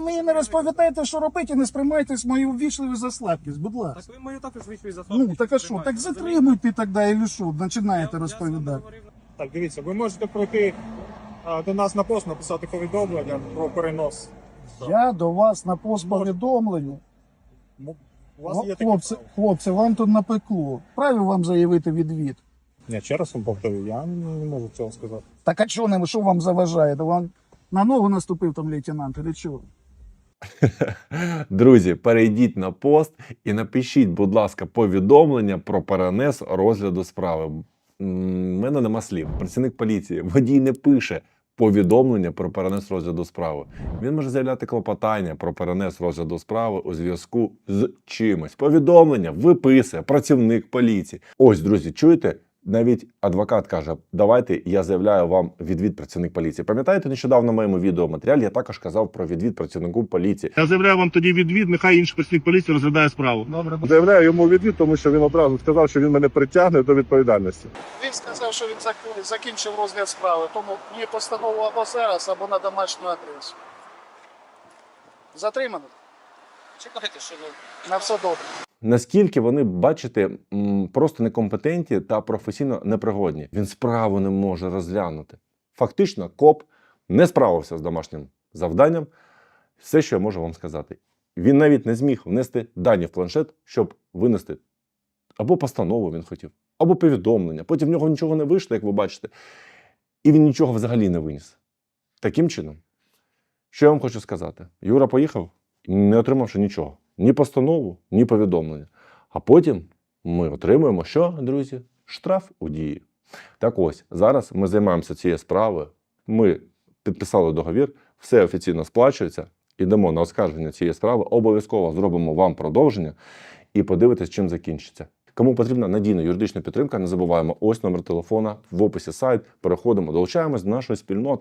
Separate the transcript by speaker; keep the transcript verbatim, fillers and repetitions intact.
Speaker 1: мені не розповідаєте, що робити, і не сприймайтесь мою ввічливу за слабкість, будь ласка.
Speaker 2: Так ви мою також вийшли за слабкість.
Speaker 1: Ну, так а що, так затримуйте тоді, і що, починаєте розповідати.
Speaker 3: Так, дивіться, ви можете пройти а, до нас на пост, написати повідомлення про перенос.
Speaker 1: Я до вас на пост повідомлення.
Speaker 3: М- У вас є таке
Speaker 1: Хлопці,
Speaker 3: право.
Speaker 1: хлопці, вам тут напекло. Праві вам заявити відвід?
Speaker 3: Ні, ще раз вам повторюю, я не можу цього сказати.
Speaker 1: Так а що не, що вам заважає? Да вам на ногу наступив там лейтенант, или що?
Speaker 4: Друзі, перейдіть на пост і напишіть, будь ласка, повідомлення про перенес розгляду справи. М, в мене нема слів. Працівник поліції, водій не пише повідомлення про перенес розгляду справи. Він може заявляти клопотання про перенес розгляду справи у зв'язку з чимось. Повідомлення виписує працівник поліції. Ось, друзі, чуєте? Навіть адвокат каже, давайте я заявляю вам відвід працівник поліції. Пам'ятаєте, нещодавно в моєму відеоматеріалі я також казав про відвід працівнику поліції.
Speaker 5: Я заявляю вам тоді відвід, нехай інший працівник поліції розглядає справу.
Speaker 1: Добре.
Speaker 6: Заявляю йому відвід, тому що він одразу сказав, що він мене притягне до відповідальності.
Speaker 1: Він сказав, що він зак- закінчив розгляд справи, тому мені постанову або зараз, або на домашню адресу. Затримано?
Speaker 2: Чекайте, що ви...
Speaker 1: На все добре.
Speaker 4: Наскільки вони, бачите, м, просто некомпетентні та професійно непригодні. Він справу не може розглянути. Фактично, коп не справився з домашнім завданням. Все, що я можу вам сказати. Він навіть не зміг внести дані в планшет, щоб винести або постанову він хотів, або повідомлення. Потім в нього нічого не вийшло, як ви бачите. І він нічого взагалі не виніс. Таким чином, що я вам хочу сказати? Юра поїхав, не отримавши нічого. Ні постанову, ні повідомлення. А потім ми отримуємо що, друзі? Штраф у дії. Так ось, зараз ми займаємося цією справою. Ми підписали договір, все офіційно сплачується. Йдемо на оскарження цієї справи. Обов'язково зробимо вам продовження і подивитись, чим закінчиться. Кому потрібна надійна юридична підтримка, не забуваємо, ось номер телефона, в описі сайт. Переходимо, долучаємось до нашої спільноти.